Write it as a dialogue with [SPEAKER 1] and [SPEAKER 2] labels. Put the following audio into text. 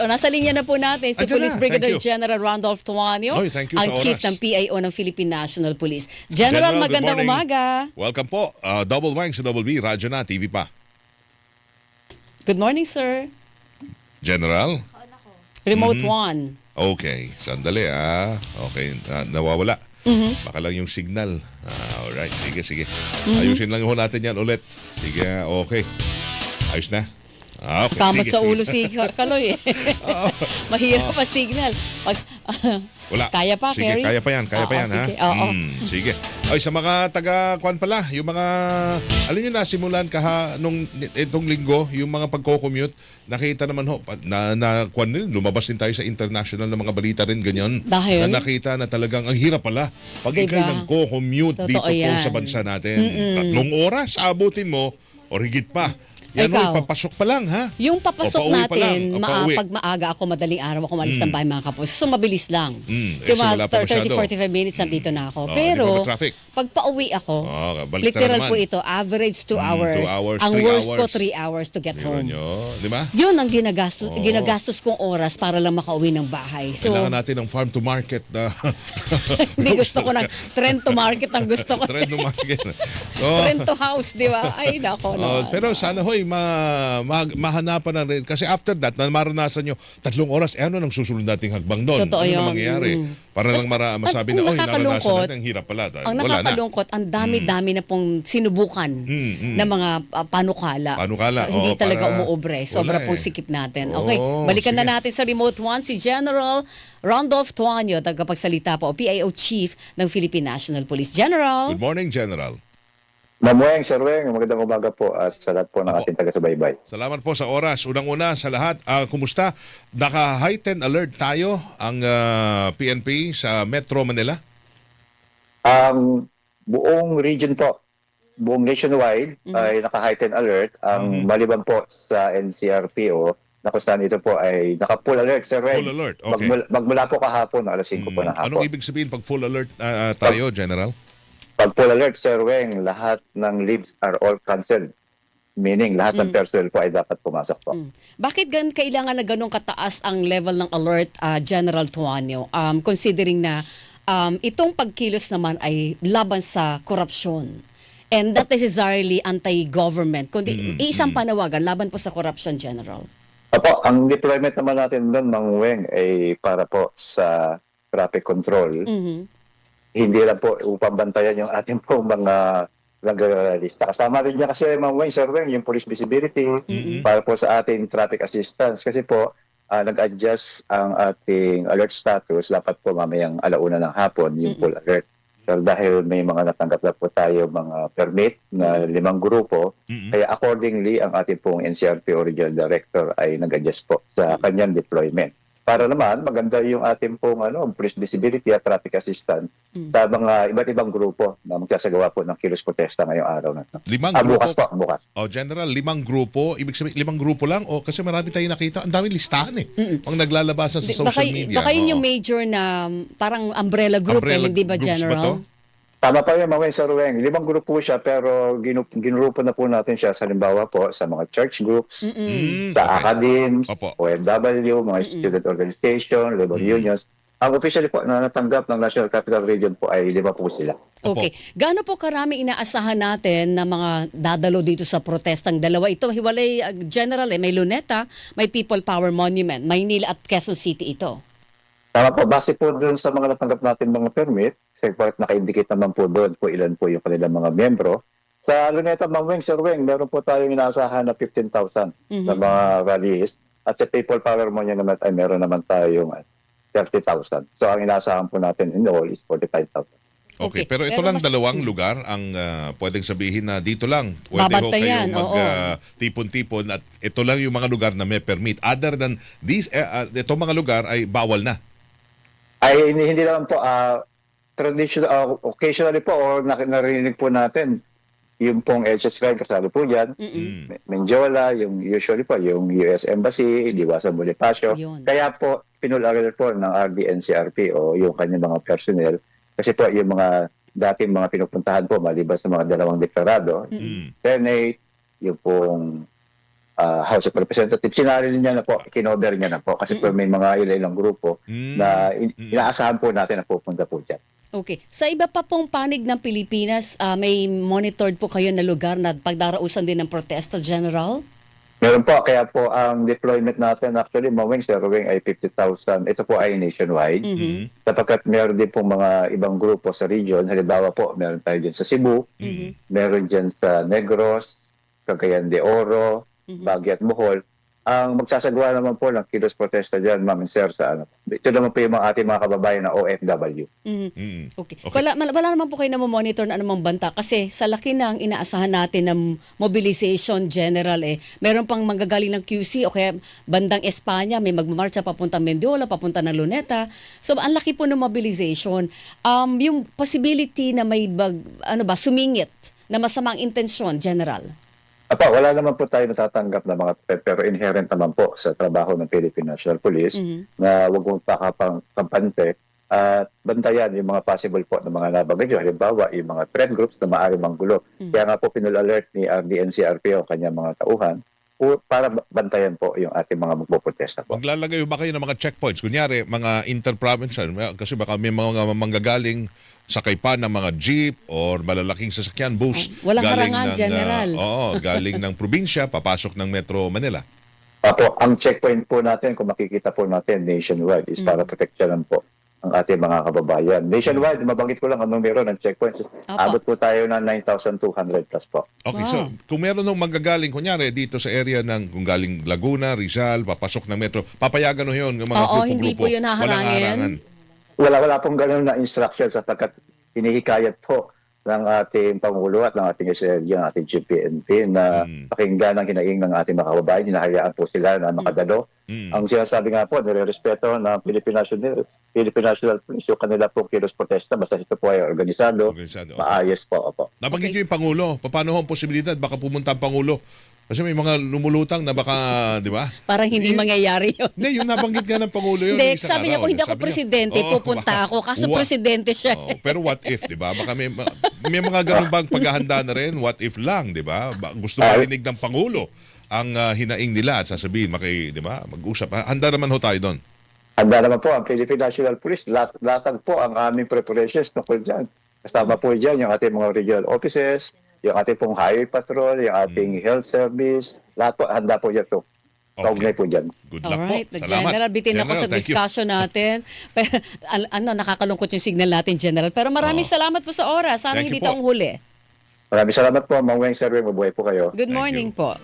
[SPEAKER 1] nasa linya na po natin si
[SPEAKER 2] Andiyan
[SPEAKER 1] Police
[SPEAKER 2] na.
[SPEAKER 1] Brigadier
[SPEAKER 2] Thank you.
[SPEAKER 1] General Randolph Tuanio,
[SPEAKER 2] Oy, thank you
[SPEAKER 1] ang
[SPEAKER 2] sa
[SPEAKER 1] Chief
[SPEAKER 2] oras.
[SPEAKER 1] ng PIO ng Philippine National Police. General,
[SPEAKER 2] good
[SPEAKER 1] magandang
[SPEAKER 2] morning.
[SPEAKER 1] umaga.
[SPEAKER 2] Welcome po. Double Wang sa Double B, Radyo na, TV pa.
[SPEAKER 1] Good morning, sir.
[SPEAKER 2] General?
[SPEAKER 1] Remote one.
[SPEAKER 2] Okay, sandali Okay, nawawala. Baka lang yung signal. Alright, sige. Ayusin lang ho natin yan ulit. Sige, okay. Ayos na. Okay,
[SPEAKER 1] Kamot sa ulo
[SPEAKER 2] sige.
[SPEAKER 1] si Kaloy. Mahirap pa signal. Pag,
[SPEAKER 2] Wala.
[SPEAKER 1] Kaya pa,
[SPEAKER 2] Sige,
[SPEAKER 1] Kerry?
[SPEAKER 2] kaya pa yan, ha?
[SPEAKER 1] Sige, oo.
[SPEAKER 2] Sige. Ay, sa mga taga-kwan pala, yung mga, alam nyo na, simulan nung itong linggo, yung mga pagko-commute, nakita naman ho, kwan din, lumabas din tayo sa international na mga balita rin, ganyan.
[SPEAKER 1] Dahil?
[SPEAKER 2] Na nakita na talagang, ang hirap pala, pag
[SPEAKER 1] Diba?
[SPEAKER 2] ikay nagko-commute
[SPEAKER 1] Totoo
[SPEAKER 2] dito po
[SPEAKER 1] yan.
[SPEAKER 2] sa bansa natin. 3 oras, abutin mo, o higit pa. Yan ho,
[SPEAKER 1] Ikaw?
[SPEAKER 2] papasok pa lang, ha?
[SPEAKER 1] Yung papasok
[SPEAKER 2] O, pauwi pa
[SPEAKER 1] natin,
[SPEAKER 2] lang. O, pauwi.
[SPEAKER 1] pag maaga ako, madaling araw ako malis ng bahay mga kapos. So, mabilis lang.
[SPEAKER 2] So, wala pa
[SPEAKER 1] 30-45 minutes nandito na ako.
[SPEAKER 2] Oh,
[SPEAKER 1] Pero,
[SPEAKER 2] di ba ma-traffic?
[SPEAKER 1] pag pauwi ako,
[SPEAKER 2] balik
[SPEAKER 1] literal
[SPEAKER 2] na
[SPEAKER 1] po
[SPEAKER 2] naman.
[SPEAKER 1] ito, average 2 hours.
[SPEAKER 2] 2 hours,
[SPEAKER 1] Ang
[SPEAKER 2] 3
[SPEAKER 1] worst ko,
[SPEAKER 2] hours.
[SPEAKER 1] 3 hours to get
[SPEAKER 2] Meron
[SPEAKER 1] home.
[SPEAKER 2] nyo, di ba?
[SPEAKER 1] Yun ang ginagastos kong oras para lang makauwi ng bahay. So,
[SPEAKER 2] Kailangan natin ng farm to market na
[SPEAKER 1] hindi gusto ko ng trend to market ang gusto ko.
[SPEAKER 2] trend to market.
[SPEAKER 1] Trend to house, di ba? Ay, nako.
[SPEAKER 2] Pero sana hoy mahanapan na rin kasi after that na maranasan nyo 3 oras ano nang susunod nating hagbang doon?
[SPEAKER 1] Totoo
[SPEAKER 2] Ano
[SPEAKER 1] yun.
[SPEAKER 2] na mangyayari? Para lang masabi na
[SPEAKER 1] ang
[SPEAKER 2] naranasan
[SPEAKER 1] nakakalungkot,
[SPEAKER 2] natin ang hirap pala.
[SPEAKER 1] Ang
[SPEAKER 2] Wala na.
[SPEAKER 1] nakakalungkot, ang dami-dami na pong sinubukan na mga panukala.
[SPEAKER 2] Panukala,
[SPEAKER 1] Hindi
[SPEAKER 2] oo,
[SPEAKER 1] talaga
[SPEAKER 2] para-
[SPEAKER 1] umuobre. Sobra
[SPEAKER 2] wala
[SPEAKER 1] pong
[SPEAKER 2] eh.
[SPEAKER 1] sikip natin.
[SPEAKER 2] Oo,
[SPEAKER 1] Okay, balikan na
[SPEAKER 2] sige.
[SPEAKER 1] natin sa remote one si General Randolph Tuanio, tagapagsalita po, PIO Chief ng Philippine National Police. General.
[SPEAKER 2] Good morning, General.
[SPEAKER 3] Mamueng, Sir Weng, magandang umaga po at sa lahat po ng
[SPEAKER 2] Apo.
[SPEAKER 3] ating taga-subaybay.
[SPEAKER 2] Salamat po sa oras. Unang-una sa lahat, kumusta? Naka-heightened alert tayo ang PNP sa Metro Manila?
[SPEAKER 3] Ang buong region po, buong nationwide ay naka-heightened alert. Ang maliban po sa NCRPO, na kung saan ito po ay naka-full alert, Sir Weng.
[SPEAKER 2] Full alert, okay.
[SPEAKER 3] Magmula po kahapon, alas 5 po ng hapon.
[SPEAKER 2] Anong ibig sabihin pag full alert tayo, General?
[SPEAKER 3] Pag full alert, Sir Weng, lahat ng leaves are all cancelled. Meaning, lahat ng personnel po ay dapat pumasok po.
[SPEAKER 1] Bakit kailangan na ganun kataas ang level ng alert, General Tuanio? Considering na itong pagkilos naman ay laban sa korupsyon. And not necessarily anti-government, kundi isang panawagan laban po sa corruption, General.
[SPEAKER 3] Opo, ang deployment naman natin doon, Mang Weng, ay para po sa traffic control. Hindi lang po upang bantayan yung ating pong mga nag-lista. Kasama rin niya kasi, Ma'am Wayne, Sir Wayne, yung police visibility para po sa ating traffic assistance. Kasi po, nag-adjust ang ating alert status. Dapat po mamayang alauna ng hapon yung full alert. So, dahil may mga natanggap na po tayo mga permit na 5 grupo, kaya accordingly, ang ating pong NCRP Regional Director ay nag-adjust po sa kanyang deployment. Para naman maganda yung ating pong police visibility at traffic assistance sa mga iba't ibang grupo na magsasagawa po ng kilos protesta ngayong araw na ito.
[SPEAKER 2] 5 grupo?
[SPEAKER 3] Bukas po, bukas.
[SPEAKER 2] General, 5 grupo. Ibig sabihin, 5 grupo lang? O kasi marami tayong nakita. Ang daming listahan Ang naglalabasan sa social media.
[SPEAKER 1] Baka yun yung major na parang umbrella group, hindi ba,
[SPEAKER 2] groups
[SPEAKER 1] General?
[SPEAKER 2] to?
[SPEAKER 3] Tama pa yun, Maweng, Sir Weng. 5 grupo siya pero ginrupo na po natin siya sa halimbawa po sa mga church groups, sa academies,
[SPEAKER 2] Opo.
[SPEAKER 3] OFW, mga student organization, labor unions. Ang officially po na natanggap ng National Capital Region po ay 5 po sila.
[SPEAKER 1] Okay. Gaano po karami inaasahan natin na mga dadalo dito sa protestang dalawa? Ito, hiwalay, General, may Luneta, may People Power Monument, Maynila at Quezon City ito.
[SPEAKER 3] Tama po, base po dun sa mga natanggap natin mga permit, kasi naka-indicate naman po doon po ilan po yung kanilang mga membro. Sa Luneta, Ma'am Weng, Sir Weng, meron po tayong inaasahan na 15,000 na mga rallies. At sa People Power Monument ay meron naman tayong 30,000. So ang inaasahan po natin in all is 45,000.
[SPEAKER 2] Okay,
[SPEAKER 1] Okay.
[SPEAKER 2] pero ito
[SPEAKER 1] Pero
[SPEAKER 2] lang
[SPEAKER 1] mas-
[SPEAKER 2] dalawang lugar ang pwedeng sabihin na dito lang. Pwede ho
[SPEAKER 1] Babantayan,
[SPEAKER 2] kayo
[SPEAKER 1] oo.
[SPEAKER 2] magtipon-tipon at ito lang yung mga lugar na may permit. Other than these, itong mga lugar ay bawal na.
[SPEAKER 3] Ay hindi naman po traditional occasionally po or narinig po natin yung pong HS Crime kasali po diyan. Menjola, yung usually po yung US Embassy, Diwasa Bonifacio.
[SPEAKER 1] Yun.
[SPEAKER 3] Kaya po pinularan po ng RDNCRP o yung kanyang mga personnel kasi po yung mga dating mga pinupuntahan po maliban sa mga dalawang deklarado, Senate, yung pong House of Representatives. Sinaril niya na po, kinover niya na po kasi po may mga ilang grupo na inaasahan po natin na pupunta po dyan.
[SPEAKER 1] Okay. Sa iba pa pong panig ng Pilipinas, may monitored po kayo na lugar na pagdarausan din ng protesta, General?
[SPEAKER 3] Meron po, kaya po ang deployment natin actually, Maweng, Sir Wing, ay 50,000. Ito po ay nationwide. Sapagkat meron din pong mga ibang grupo sa region. Halimbawa po, meron tayo dyan sa Cebu, meron dyan sa Negros, Cagayan de Oro, Baguio at Bohol. Ang magsasagawa naman po ng kilos protesta dyan, Ma'am and Sir, sa ano. Ito naman po yung mga ating mga kababayan na OFW.
[SPEAKER 1] Okay. Wala naman po kayo na monitor na anumang banta kasi sa laki ng inaasahan natin ng mobilization general meron pang manggagaling ng QC o kaya bandang Espanya, may magmamarcha papunta Mendiola, papunta ng Luneta. So ang laki po ng mobilization. Yung possibility na may sumingit na masamang intensyon, General.
[SPEAKER 3] Wala naman po tayo natatanggap na mga pero inherent naman po sa trabaho ng Philippine National Police na wag mong kampante at bantayan yung mga possible po na mga nabanggit nyo. Halimbawa, yung mga threat groups na maaaring manggulo. Kaya nga po pinul-alert ni RDNCRP o kanyang mga tauhan para bantayan po yung ating mga magpoprotesta po.
[SPEAKER 2] Maglalagay ba kayo ng mga checkpoints? Kunyari, mga inter-provincial, kasi baka may mga manggagaling sakay pa ng mga jeep or malalaking sasakyan, bus.
[SPEAKER 1] Walang harangan, General.
[SPEAKER 2] Galing ng probinsya, papasok ng Metro Manila.
[SPEAKER 3] Ang checkpoint po natin, kung makikita po natin nationwide, is para proteksyonan po ang ating mga kababayan. Nationwide, mabanggit ko lang ang numero ng checkpoints. Abot po tayo ng 9,200 plus po.
[SPEAKER 2] Okay, so kung meron nung manggagaling, kunyari dito sa area ng kung galing Laguna, Rizal, papasok ng Metro, papayagan nyo yun, yung mga grupo-grupo.
[SPEAKER 1] Hindi po yun haharangin.
[SPEAKER 2] Walang harangan.
[SPEAKER 3] Wala pong ganun na instructions sapagkat hinihikayat po ng ating Pangulo at ng ating SLG, ng ating GPNP na pakinggan ang hinaing ng ating mga kababayan. Hinahayaan po sila na makadalo. Ang sinasabi nga po, nire-respeto ng Philippine National Police yung kanila po kilos protesta basta ito po ay organisado. Maayos po.
[SPEAKER 2] Nabanggit nyo yung Pangulo. Paano ang posibilidad? Baka pumunta ang Pangulo. Kasi may mga lumulutang na baka, di ba?
[SPEAKER 1] Parang hindi mangyayari yun.
[SPEAKER 2] Hindi, yung nabanggit nga ng Pangulo yun.
[SPEAKER 1] Hindi, sabi niya, kung hindi ako presidente, pupunta ako. Kaso presidente siya.
[SPEAKER 2] Pero what if, di ba? Baka may mga ganun bang paghahanda na rin? What if lang, di ba? Gusto marinig ng Pangulo ang hinaing nila at sasabihin, di ba? Mag-usap. Handa naman ho tayo doon.
[SPEAKER 3] Handa naman po ang Philippine National Police. Latag po ang aming preparations tungkol dyan. Kasama po dyan yung ating mga regional offices, yung ating pong highway patrol, yung ating health service, lahat po, handa po yan po. Kaugnay po dyan.
[SPEAKER 2] Good luck
[SPEAKER 1] Alright,
[SPEAKER 2] po. Salamat.
[SPEAKER 1] General, bitin ako sa discussion natin. Pero, nakakalungkot yung signal natin, General. Pero maraming salamat po sa oras. Sana
[SPEAKER 2] Thank you
[SPEAKER 1] hindi
[SPEAKER 2] po.
[SPEAKER 1] taong huli.
[SPEAKER 3] Maraming salamat po, Ma'am Weng, Sir Weng. Mabuhay po kayo.
[SPEAKER 1] Good morning po.